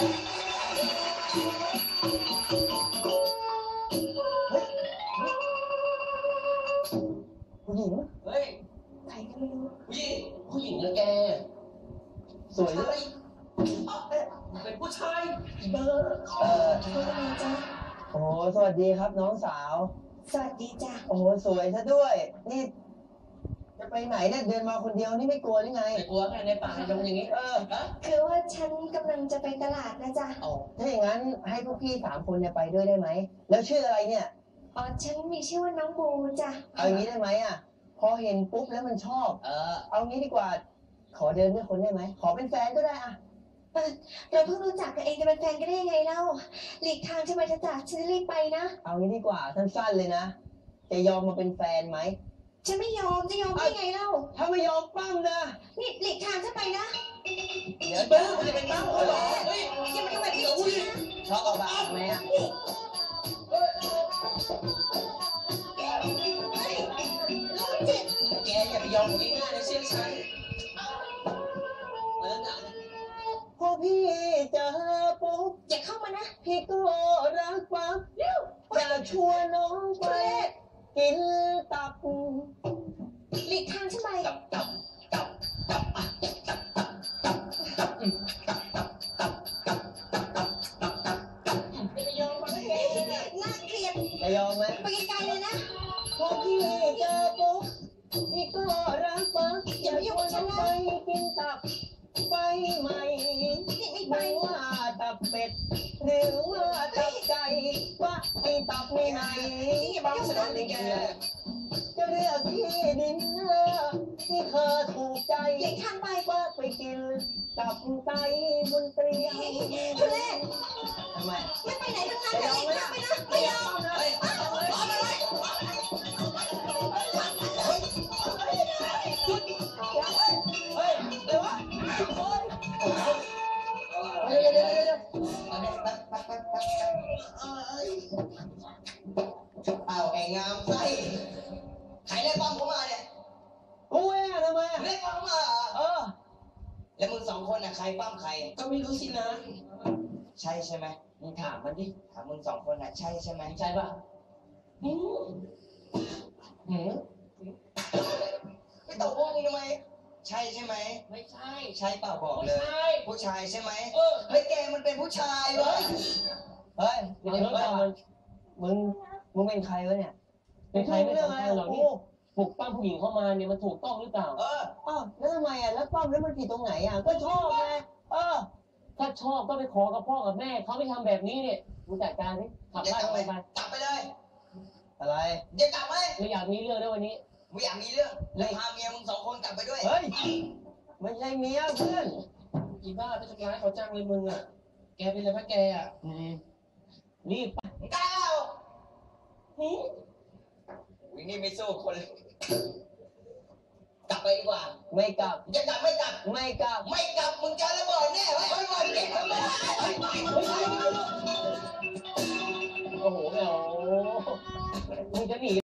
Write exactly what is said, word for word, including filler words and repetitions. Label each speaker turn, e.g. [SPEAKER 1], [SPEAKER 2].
[SPEAKER 1] ผู้หญิงเฮ้ย
[SPEAKER 2] ใครก็ไม่รู้
[SPEAKER 1] ผู้หญิงผู้หญิงนะแกสวยเลยเป็นผู้ชายเบอร์เออ
[SPEAKER 2] ว่าไงจ๊ะ
[SPEAKER 3] โอ้สวัสดีครับน้องสาว
[SPEAKER 2] สวัสดีจ้ะ
[SPEAKER 3] โอ้สวยซะด้วยนี่จะไปไหนเนี่ยเดินมาคนเดียวนี่ไม่กลัวหรือไง
[SPEAKER 1] ไม่กลัวไงในป่าในดงอย่างนี้เออ
[SPEAKER 2] คือว่าฉันกำลังจะไปตลาดนะจ๊ะ
[SPEAKER 3] อ๋อถ้าอย่างนั้นให้พวกพี่สามคนเนี่ยไปด้วยได้ไหมแล้วชื่ออะไรเนี่ย
[SPEAKER 2] อ๋อฉันมีชื่อว่าน้องบูจ้ะ
[SPEAKER 3] เอางี้ได้ไหมอ่ะพอเห็นปุ๊บแล้วมันชอบเออเอางี้ดีกว่าขอเดินด้วยคนได้ไหมขอเป็นแฟนก็ได้อ่ะ
[SPEAKER 2] เออเราเพิ่งรู้จักกันเองจะเป็นแฟนกันได้ยังไงเล่าหลีกทางฉันไปจ้ะฉันจะรีบไปนะ
[SPEAKER 3] เอางี้ดีกว่าสั้นๆเลยนะจะยอมมาเป็นแฟนไหม
[SPEAKER 2] ฉันไม่ยอมจะยอมได้ไงเล่า
[SPEAKER 3] ถ้าไม่ยอมปั้มนะ
[SPEAKER 2] นี่หลีกทางฉันไปนะ
[SPEAKER 3] เดี๋ยวเบิ้มจะเป็นปั้มเขาหรอ
[SPEAKER 2] เฮ้ยอย่ามาทำแบบนี้นะ
[SPEAKER 3] ชอบเอาบ้าไหมอ่ะ
[SPEAKER 1] แกอย่าไปยอมผมง่ายๆนะเชื่อฉันเออ
[SPEAKER 3] พอพี่เจอปุ๊บ
[SPEAKER 2] อย่าเข้ามานะ
[SPEAKER 3] พี่ก็รักปั๊บอยากชวนน้องไปกินตับ
[SPEAKER 2] หลีกทางฉันไป
[SPEAKER 1] ตับตับตับตับตับตับตับตับตับตับตับตับตับตับตับตับตับไม่ยอมมาให้
[SPEAKER 2] น่าเกลียด
[SPEAKER 3] จะยอมไหม
[SPEAKER 2] ไปไกลๆเลยนะ
[SPEAKER 3] พอพี่เจอปุ๊บพี่ก็รักปั๊บอยากชวนน้องไปกินตับไปไหมไม่ว่าตับเป็ดหรือว่าตับไก่ว่าไอ้ตับไม่ไหน
[SPEAKER 1] บางสนามนี่แก
[SPEAKER 3] จะเลือกที่ดินเนอร์ที่เธอถูกใจ
[SPEAKER 2] หลีกทางไป
[SPEAKER 3] ว่าไปกินตับไก่บนเตียง
[SPEAKER 2] ทุเรศ
[SPEAKER 3] ทำไม
[SPEAKER 2] ไม่ไปไหนทั้งนั้นเลยหลีกทางไปนะไม่ยอม
[SPEAKER 1] เลยรอมาเลย
[SPEAKER 3] หยุดเฮ้ยเดี๋ยววะโอ้ยเดี๋ยวเดี๋ยวเดี๋ยวเดี๋ยว
[SPEAKER 1] เอาไอ้งามไส้ใครเรียกป้อมเข้ามาเนี่ย
[SPEAKER 3] กูเองอะทำไมอะ
[SPEAKER 1] เรียกป้อมเข้ามา
[SPEAKER 3] เออ
[SPEAKER 1] แล้วมึงสองคนน่ะใครป้อมใครก็ไม่รู้สินะใช่ใช่ไหม
[SPEAKER 3] มึงถามมันดิ
[SPEAKER 1] ถามมึงสองคนน่ะใช่ใช่ไหม
[SPEAKER 3] ใช่ป่ะ
[SPEAKER 1] หืมหืมไม่ตอบพวกมึงทำไมใช่ใช่ไหม
[SPEAKER 3] ไม่ใช่
[SPEAKER 1] ใช่เปล่าบอกเลยผู้ชายใช่ไหม
[SPEAKER 3] เออ
[SPEAKER 1] เฮ้ยแกมันเป็นผู้ชายเว้ย
[SPEAKER 3] เฮ้ยเดี๋ยวก่อนมึงมึงเป็นใครวะเนี่ย
[SPEAKER 4] เป็นใครไม่สำคัญหรอกนี่ปลุกปั้มผู้หญิงเข้ามาเนี่ยมันถูกต้องหรือเปล่า
[SPEAKER 3] เอออ้าวแล้วทำไมอ่ะแล้วปั้มแล้วมันผิดตรงไหนอ่ะก็ชอบไงเออ
[SPEAKER 4] ถ้าชอบก็ไปขอกับพ่อกับแม่เขาไม่ทำแบบนี้เนี่ยมึงจัดการสิขับบ้านไปไป
[SPEAKER 1] กลับไปเลย
[SPEAKER 3] อะไร
[SPEAKER 1] จะกลับไหม
[SPEAKER 4] ไม่อยากมีเรื่องด้วยวันนี้
[SPEAKER 1] ไม่อยากมีเรื่องเลยพาเมียมึงสองคนกลับไปด้วย
[SPEAKER 3] เฮ้ยไม่ใช่เมียเพื่อน
[SPEAKER 1] อีบ้าไปทำร้ายเขาจังเลยมึงอ่ะแกเป็นอะไรพะแกอ่ะ
[SPEAKER 4] รีบไป
[SPEAKER 1] ก้าวหืมวิ่งนี่ไม่สู้คนกลับไปดีกว่า
[SPEAKER 3] ไม่กลับ
[SPEAKER 1] จะกลับไม่กลับ
[SPEAKER 3] ไม่กลับ
[SPEAKER 1] ไม่กลับมึงจะระเบิดแน่ไว้ไว้ไว้เด็กทำไม